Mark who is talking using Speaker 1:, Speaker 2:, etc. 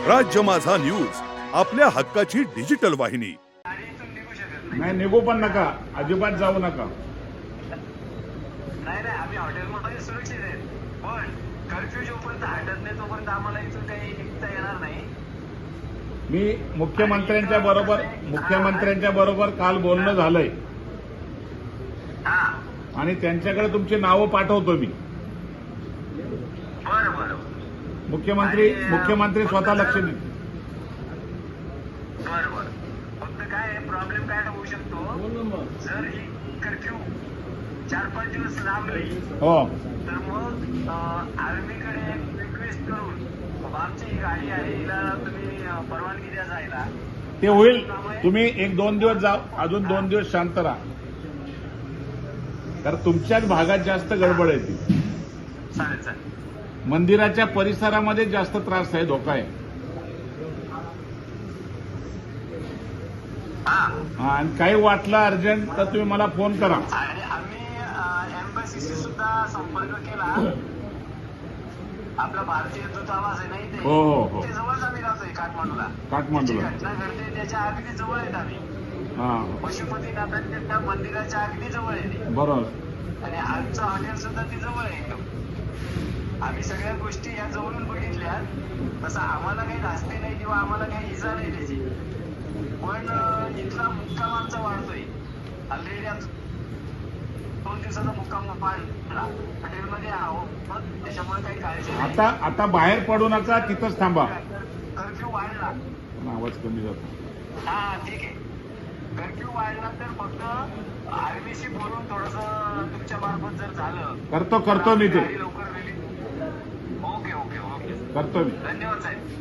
Speaker 1: राज्य माझा न्यूज आपल्या हक्काची डिजिटल वाहिनी।
Speaker 2: नाही निघू पण नका, अजिबात जाऊ नका।
Speaker 3: नाही नाही आम्ही हॉटेलमध्ये सुरक्षित आहे, पण कर्फ्यू जोपर्यंत हटत नाही तोपर्यंत आम्हाला इथून काही निघता येणार नाही।
Speaker 2: मी मुख्यमंत्र्यांच्या बरोबर काल बोलणं झालंय आणि त्यांच्याकडे तुमची नावं पाठवतो मी।
Speaker 3: बरं बरं
Speaker 2: मुख्यमंत्री स्वतः लक्ष देतील।
Speaker 3: बरं बरं फक्त काय प्रॉब्लेम काय होऊ शकतो, जर ही कर्फ्यू 4-5 दिवस लांबली
Speaker 2: हो
Speaker 3: तर मग आर्मीकडे रिक्वेस्ट करून आमची ही गाडी आहे हिला तुम्ही परवानगी द्या जायला,
Speaker 2: ते होईल। तुम्ही 1-2 दिवस जा, अजून 2 दिवस शांत राहा, कारण तुमच्याच भागात जास्त गडबड आहे ती।
Speaker 3: चालेल चालेल।
Speaker 2: मंदिराच्या परिसरामध्ये जास्त त्रास आहे, धोका आहे। हा आणि काही वाटलं अर्जंट तर तुम्ही मला फोन करा।
Speaker 3: आणि आम्ही एम्बसीशी सुद्धा संपर्क केला, आपला भारतीय दूतावास आहे नाही ते,
Speaker 2: हो हो हो
Speaker 3: ते जवळच आम्ही राहतोय काठमांडूला। जी घटना घडते त्याच्या अगदी जवळ आहेत आम्ही,
Speaker 2: हा
Speaker 3: पशुपतीनाथांच्या त्या मंदिराच्या अगदी जवळ आहे ते,
Speaker 2: बरोबर।
Speaker 3: आणि आमचं हॉटेल सुद्धा ती जवळ आहे एकदम। आम्ही सगळ्या गोष्टी या जवळून बघितल्या, तसं आम्हाला काही धास्ती नाही किंवा आम्हाला काही इजा नाही त्याची, पण इथला मुक्काम आमचा वाढतोय। ऑलरेडी 2 दिवसाचा मुक्काम वाढला, हॉटेलमध्ये आहोत, त्याच्यामुळे काही काळजी नाही।
Speaker 2: आता बाहेर पडू नका, तिथंच थांबा।
Speaker 3: कर्फ्यू वाढला,
Speaker 2: आवाज कमी जातो।
Speaker 3: हा ठीक आहे, कर्फ्यू वाढला तर फक्त आर्मीशी बोलून थोडंसं तुमच्या मार्फत जर झालं
Speaker 2: करतो मी ते
Speaker 3: लवकर रिलीज। ओके ओके ओके
Speaker 2: करतो मी।
Speaker 3: धन्यवाद साहेब।